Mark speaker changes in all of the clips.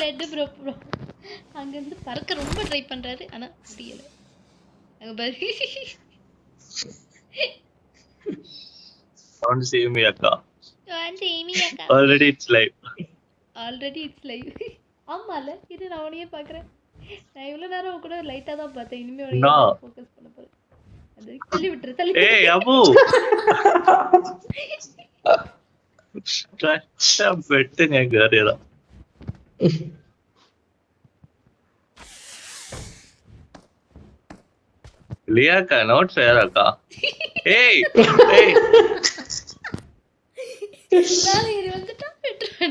Speaker 1: Dead bro bro அங்க இருந்து பறக்க ரொம்ப ட்ரை பண்றாரு ஆனா முடியல அங்க பாரு
Speaker 2: Don't see me akka.
Speaker 1: வந்து ஏமி அக்கா
Speaker 2: Already it's live.
Speaker 1: ஆமால இது நான் உனையே பாக்குறேன் நான் இவ்வளவு நேரம் கூட லைட்டா தான் பார்த்தேன் இனிமே
Speaker 2: No.
Speaker 1: உனையே ஃபோக்கஸ் பண்ண போறேன் அது தள்ளி விட்டுரு
Speaker 2: Hey Abu. பெட்டு ഞാൻ കേറിയതാ. ലിയാക്ക not fair akka. Hey hey.
Speaker 1: நான் இது வந்துட்டா விட்டுறேன்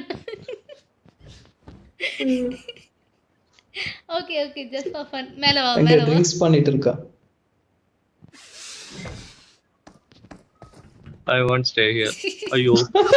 Speaker 1: okay okay just for fun மேல வா
Speaker 3: அங்க
Speaker 1: மேல வா
Speaker 3: ட்ரிங்க்ஸ் பண்ணிட்டு இருக்கா.
Speaker 2: I won't stay here. ஐயோ.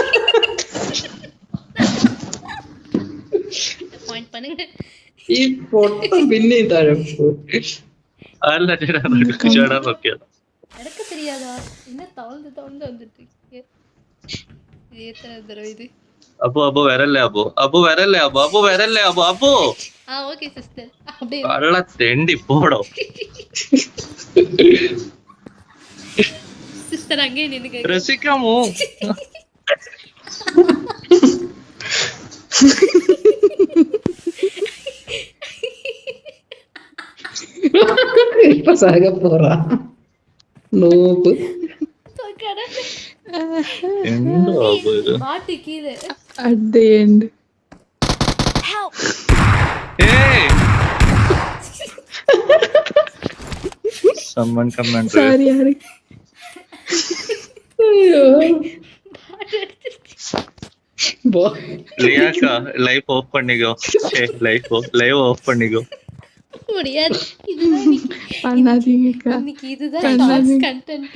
Speaker 1: பாயிண்ட் பண்ணுங்க
Speaker 3: ഈ പൊട്ട പിന്നെ തഴപ്പ്
Speaker 2: അല്ല ചേട്ടാ ചേട്ടാ നോക്കിയതാ.
Speaker 1: நடக்க தெரியாதா என்ன தவழ்ந்து வந்துட்டு இருக்கீங்க இது எத்தனை தடவை இது
Speaker 2: അബു വരല്ലേ അബു വരല്ലേ അബു
Speaker 1: ஓகே சிஸ்டர் அப்படியே
Speaker 2: കള്ള തെണ്ടി പോടോ.
Speaker 1: சிஸ்டர் அங்கே நின்னுங்க
Speaker 2: രസിക്കാമോ?
Speaker 3: ഇപ്പൊ സാഗ പോറാ നോപ്പ്
Speaker 2: എന്തോ അബു ഇത്.
Speaker 1: மாட்டு கீழே
Speaker 4: At the end.
Speaker 2: Hey! Someone come and
Speaker 4: Sorry, Hari.
Speaker 3: അയ്യോ போ
Speaker 2: லியாக்கா லைஃப் ஆஃப் பண்ணிக்கோ. லைவ் ஆஃப் பண்ணிக்கோ.
Speaker 1: முடியாது இதுதான்
Speaker 4: பண்ணாதீங்கக்கா.
Speaker 1: இன்னைக்கு இதுதான் டாக்ஸ் கண்டென்ட்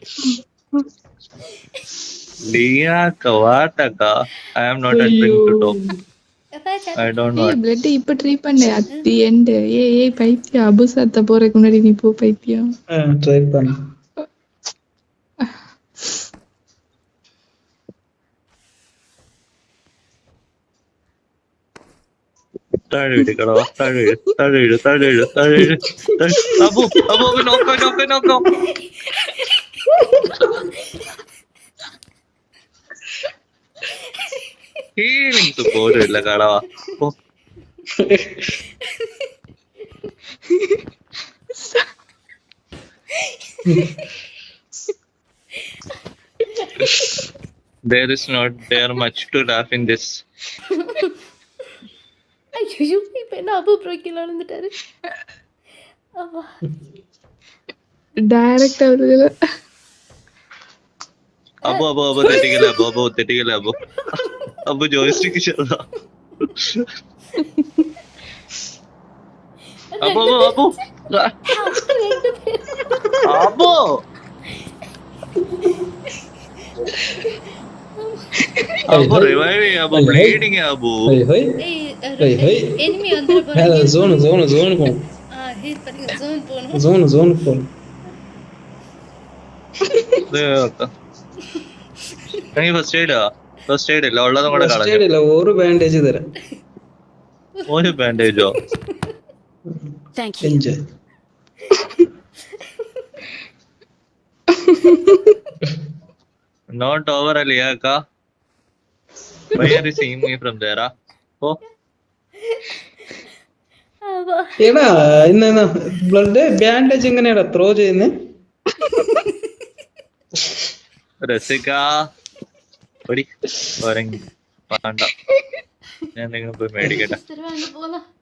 Speaker 2: லியாக்கா வாட்டக்கா. I am not entering to talk. I don't know.
Speaker 4: ஏய் பிளட் இப்ப ட்ரை பண்ணு at the end. ஏய் பைத்தியம் அபு சத்த போறதுக்கு முன்னாடி நீ போ பைத்தியம்.
Speaker 3: ட்ரை பண்ணு.
Speaker 2: താഴെ ഇടിക്കടോ. താഴെ ഇട്. അബു നോക്കോ. ഹീലിങ്സ് പോലും ഇല്ല കളവാ. There is not there much to laugh in this.
Speaker 1: ஐயோ இப்ப என்ன அபு ப்ரோ கீழே விழுந்துட்டாரு ஆமா
Speaker 4: டைரக்ட் அவர்ல
Speaker 2: അബു തെറ്റിക്കല അബു ജോയിസ്റ്റിക്ക് ചെറുതാ. അബു റിവൈവ് ചെയ്യാ. ബ്ലീഡിങ് അബു.
Speaker 3: ஹோய் ஹோய் ஹோய்
Speaker 1: எனிமி வந்துற போறாங்க
Speaker 3: மேல ஜோன் போ
Speaker 1: ஹீல் பண்ணுங்க ஜோன் போணும்
Speaker 3: ஜோன் போ
Speaker 2: ഫസ്റ്റ് എയ്ഡ് ഇല്ല ഉള്ളതും കൂടെ കളഞ്ഞു.
Speaker 3: இல்ல ஒரு பேண்டேஜ் தரேன்.
Speaker 2: ഒരു ബാൻഡേജോ?
Speaker 3: Enjoy.
Speaker 2: Not over Aliyaka. Why are you seeing me from there? Oh.
Speaker 3: ஏடா என்ன ബ്ലഡ് ബാൻഡേജ് എങ്ങനെയാടാ ത്രോ ചെയ്യുന്നേ?
Speaker 2: രസിക ഓടി വേണ്ട ഞാൻ നിങ്ങൾ പോയി മേടിക്കട്ടെ.
Speaker 1: போலாம்